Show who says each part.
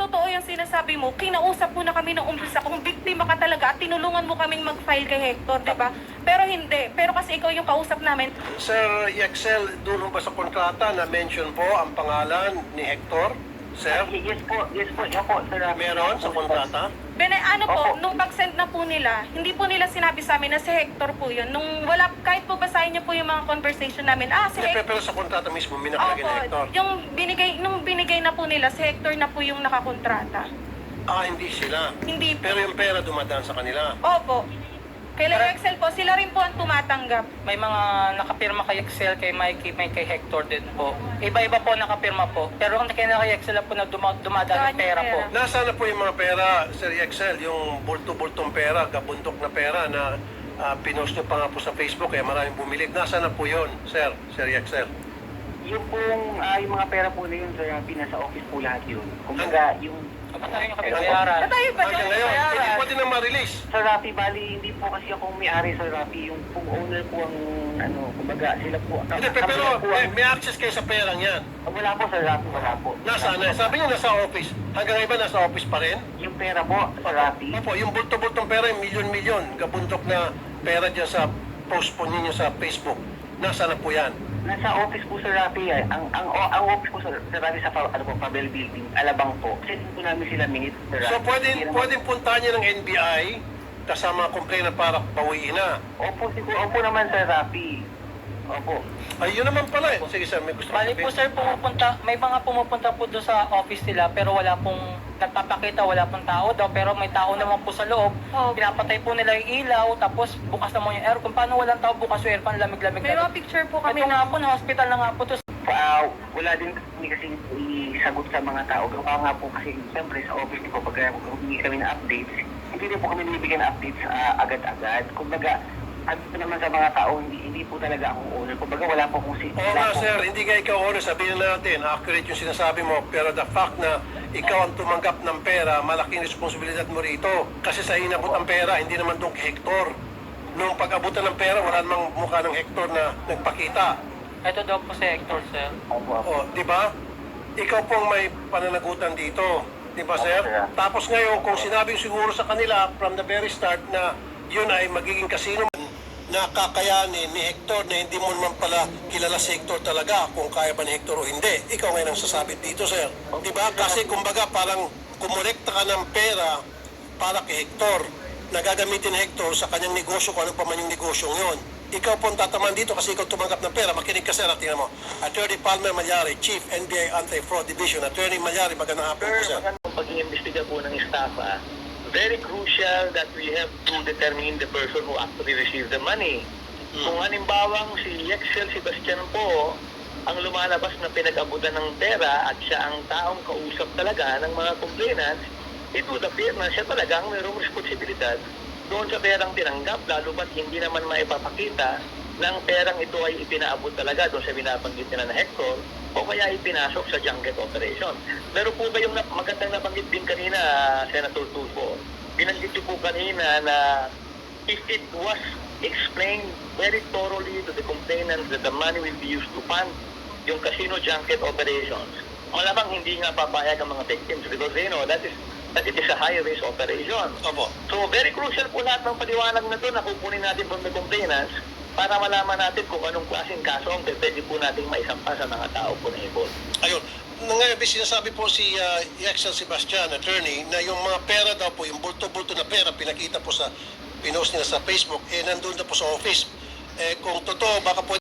Speaker 1: totoo yung sinasabi mo, kinausap mo na kami ng umpisa kung biktima ka talaga at tinulungan mo kaming mag-file kay Hector, di ba? Pero hindi. Pero kasi ikaw yung kausap namin.
Speaker 2: Sir Yexel, doon ba sa kontrata na mention po ang pangalan ni Hector? Sir,
Speaker 3: Yes po, yan po, Sir Rafi.
Speaker 2: meron sa kontrata?
Speaker 1: Ano po,
Speaker 3: Opo.
Speaker 1: nung pag-send na po nila, hindi po nila sinabi sa amin na si Hector po yun. Nung wala, kahit po basahin niyo po yung mga conversation namin, si Hector.
Speaker 2: Pero sa kontrata mismo, may nakalagay na Hector.
Speaker 1: Yung nung binigay na po nila, si Hector na po yung nakakontrata.
Speaker 2: Hindi sila.
Speaker 1: Hindi po.
Speaker 2: Pero yung pera dumadaan sa kanila.
Speaker 1: Opo. Kailan Excel po, sila rin po ang tumatanggap.
Speaker 4: May mga nakapirma kay Excel, kay Mikey, may kay Hector din po. Iba-iba po nakapirma po. Pero ang kay Excel po na dumadaan yung pera po.
Speaker 2: Nasaan na po yung mga pera, Sir Yexel? Yung bulto-bultong pera, gabundok na pera na pinost nyo pa nga po sa Facebook, kaya maraming bumili. Nasaan na po yun, Sir Yexel?
Speaker 3: Yung pong, yung mga pera po na yun, Sir Rafi, nasa office po lahat yun. Kumbaga, yung...
Speaker 4: Kapag tayo yung kapibayaran.
Speaker 1: Tayo ba
Speaker 2: Hanggang ngayon, hindi pwede na ma-release.
Speaker 3: Sir Rafi, bali, hindi po kasi ako may-ari, Sir Rafi. Yung pong owner po ang, kumbaga, sila po.
Speaker 2: Hindi, pero may access kayo sa perang yan.
Speaker 3: Wala po, Sir Rafi, wala po.
Speaker 2: Nasaan na? Sabi niyo nasa office. Hanggang ngayon ba nasa office pa rin?
Speaker 3: Yung pera po, Sir Rafi.
Speaker 2: Opo, yung bulto-bultong pera, yung milyon-milyon, gabundok na pera dyan sa post po ninyo sa Facebook. Nasaan na po yan?
Speaker 3: Nasa office po, Sir Rafi. Ang office po, Sir Rafi, sa Pavel Building, Alabang po. Kasi po namin sila minute, Sir Rafi.
Speaker 2: So pwedeng puntahan niyo ng NBI kasama complainant para bawiin na.
Speaker 3: Opo, siguro. Opo naman, Sir Rafi. Opo.
Speaker 2: Ayun naman pala eh. Sige sir, may gusto
Speaker 4: Bali po sir, may mga pumupunta po doon sa office nila pero wala pong nagpapakita, wala pong tao daw pero may tao naman po sa loob. Pinapatay po nila yung ilaw tapos bukas naman yung aircon. Paano walang tao bukas yung aircon, lamig-lamig
Speaker 1: May mga picture po kami.
Speaker 4: Ito nga po, na hospital na nga po to.
Speaker 3: Wala din kami kasi isagot sa mga tao. Gawa nga po kasi siyempre sa office ko pag humingi kami ng updates, hindi rin po kami nilibigyan ng updates agad-agad. Kumbaga, at naman sa mga tao, hindi po talaga akong owner. Kumbaga, wala po akong
Speaker 2: Oo nga sir, hindi nga ikaw owner, sabihin natin, accurate yung sinasabi mo, pero the fact na ikaw ang tumanggap ng pera, malaking responsibilidad mo rito. Kasi sa inabot ang pera, hindi naman doon kay Hector. Nung pag-abutan ng pera, wala namang mukha ng Hector na nagpakita.
Speaker 4: Ito daw po si Hector, sir.
Speaker 2: O, di ba? Ikaw pong may pananagutan dito. Di ba, sir? Tapos ngayon, kung sinabi siguro sa kanila from the very start na yun ay magiging kasino na kakayanin ni Hector na hindi mo naman pala kilala si Hector talaga kung kaya ba ni Hector o hindi. Ikaw ngayon ang sasabit dito, sir. Di ba? Kasi kumbaga parang kumolekta ka ng pera para kay Hector na gagamitin ni Hector sa kanyang negosyo kung ano pa man yung negosyong yun. Ikaw po ang tataman dito kasi ikaw tumanggap ng pera. Makinig ka, sir. Tingnan mo. Attorney Palmer Malyari, Chief NBI Anti-Fraud Division. Attorney Malyari, magandang hapon po, sir.
Speaker 5: Pag-iimbestiga po ng staff, very crucial that we have to determine the person who actually received the money. Kung halimbawang si Yexel Sebastian po ang lumalabas na pinag-abutan ng pera at siya ang taong kausap talaga ng mga complainants, it would appear na siya talagang mayroong responsibilidad doon sa perang tinanggap, lalo ba't hindi naman maipapakita ng perang ito ay ipinaabot talaga doon sa binabanggit nila na Hector o kaya ipinasok sa junket operation. Meron po ba yung magandang nabanggit din kanina, Senator Tulfo? Binanggit niyo po kanina na if it was explained very thoroughly to the complainants that the money will be used to fund yung casino junket operations, malamang hindi nga papayag ang mga victims because they know that it is a high-risk operation.
Speaker 2: Opo.
Speaker 5: So very crucial po lahat ng paliwanag na doon na kukunin natin from the complainants para malaman natin kung anong klaseng kaso ang pwede po nating maisampa sa mga tao po na involved.
Speaker 2: Ayun. Ngayon, sinasabi po si Yexel Sebastian, attorney, na yung mga pera daw po, yung bulto-bulto na pera, pinakita po sa pinost nila sa Facebook, nandun na po sa office. Kung totoo, baka po